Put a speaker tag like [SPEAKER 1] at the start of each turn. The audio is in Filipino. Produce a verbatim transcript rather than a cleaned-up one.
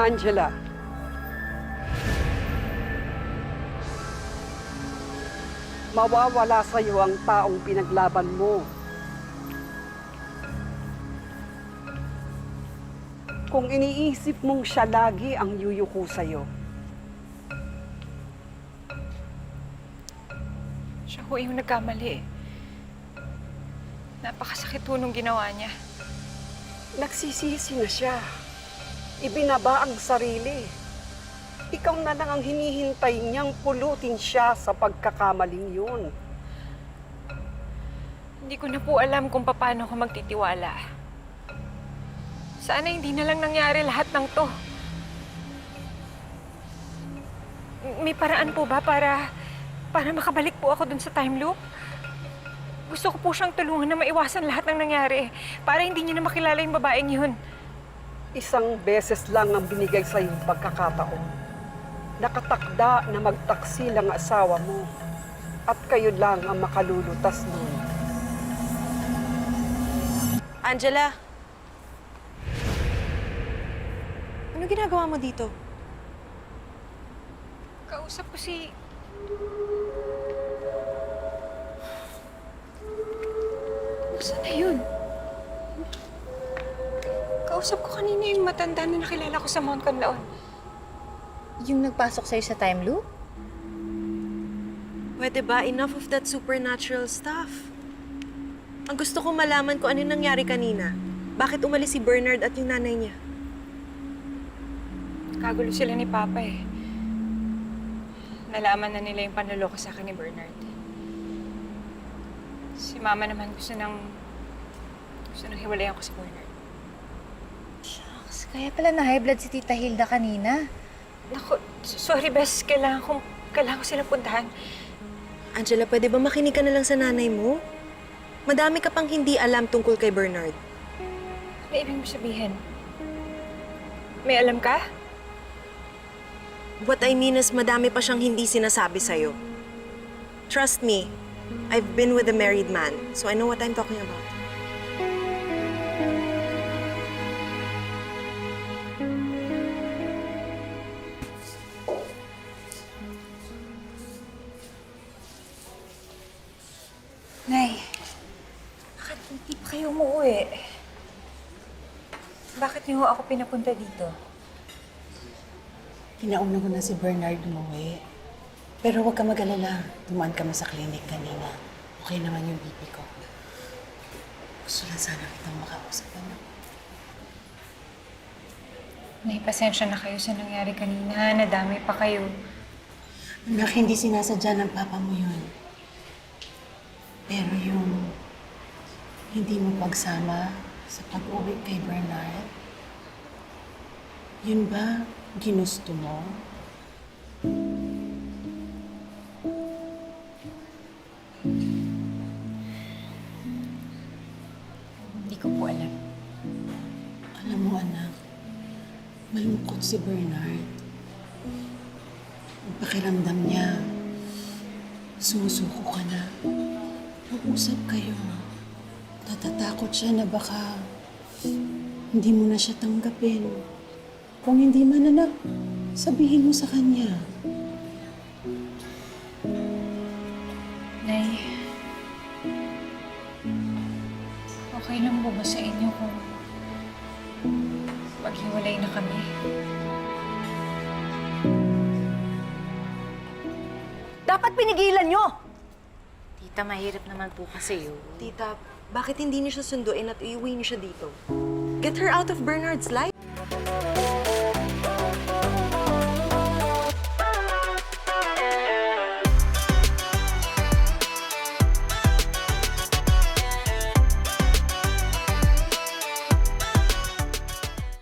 [SPEAKER 1] Angela. Mawawala sa'yo ang taong pinaglaban mo. Kung iniisip mong siya lagi ang yuyuko sa'yo.
[SPEAKER 2] Siya ho yung nagkamali. Napakasakit ho nung ginawa niya.
[SPEAKER 1] Nagsisisi na siya. Ibinaba ang sarili. Ikaw na lang ang hinihintay niyang pulutin siya sa pagkakamaling yun.
[SPEAKER 2] Hindi ko na po alam kung paano ko magtitiwala. Sana hindi na lang nangyari lahat ng to. May paraan po ba para, para makabalik po ako dun sa time loop? Gusto ko po siyang tulungan na maiwasan lahat ng nangyari para hindi niya na makilala yung babaeng yun.
[SPEAKER 1] Isang beses lang ang binigay sa iyong pagkakataon. Nakatakda na magtaksil ang asawa mo at kayo lang ang makalulutas nun.
[SPEAKER 3] Angela! Ano ginagawa mo dito?
[SPEAKER 2] Kausap ko si... Nasaan na yun? Kausap ko kanina yung matanda na nakilala ko sa Mount Canlaon.
[SPEAKER 4] Yung nagpasok sa'yo sa time loop?
[SPEAKER 3] Pwede ba? Enough of that supernatural stuff. Ang gusto ko malaman kung ano nangyari kanina. Bakit umalis si Bernard at yung nanay niya?
[SPEAKER 2] Kagulo sila ni Papa eh. Nalaman na nila yung panloloko sa akin ni Bernard. Si Mama naman gusto nang... gusto nang hiwalayan ko si Bernard.
[SPEAKER 4] Shucks, kaya pala na high blood si Tita Hilda kanina.
[SPEAKER 2] Naku, sorry Bes. Kailangan kong... kailangan ko silang puntahan.
[SPEAKER 3] Angela, pwede ba makinig ka na lang sa nanay mo? Madami ka pang hindi alam tungkol kay Bernard.
[SPEAKER 2] Ano ibig mo sabihin? May alam ka?
[SPEAKER 3] What I mean is madami pa siyang hindi sinasabi sa'yo. Trust me, I've been with a married man, so I know what I'm talking about.
[SPEAKER 2] Nay, bakit hindi pa kayo umuwi? Bakit niyo ako pinapunta dito?
[SPEAKER 5] Kinauna ko na si Bernard umuwi. Pero huwag ka mag-alala. Dumaan kami sa clinic kanina. Okay naman yung B P ko. Gusto lang sana kitang makausap, ano?
[SPEAKER 2] Nay, pasensya na kayo sa nangyari kanina. Nadami pa kayo.
[SPEAKER 5] Anak, hindi sinasadya ng papa mo yun. Pero yung hindi mo pagsama sa pag-uwi kay Bernard, yun ba ginusto mo?
[SPEAKER 2] Hindi ko po alam.
[SPEAKER 5] Alam mo, anak, malungkot si Bernard. Ang pakiramdam niya, sumusuko ka na. Mag-usap kayo. Natatakot siya na baka hindi mo na siya tanggapin. Kung hindi man, anak, sabihin mo sa kanya.
[SPEAKER 2] Nay, okay lang po ba sa inyo kung maghiwalay na kami?
[SPEAKER 6] Dapat pinigilan nyo!
[SPEAKER 4] Tita, mahirap naman po kasi yun.
[SPEAKER 3] Tita, bakit hindi niyo siya sunduin at iuwi niyo siya dito? Get her out of Bernard's life.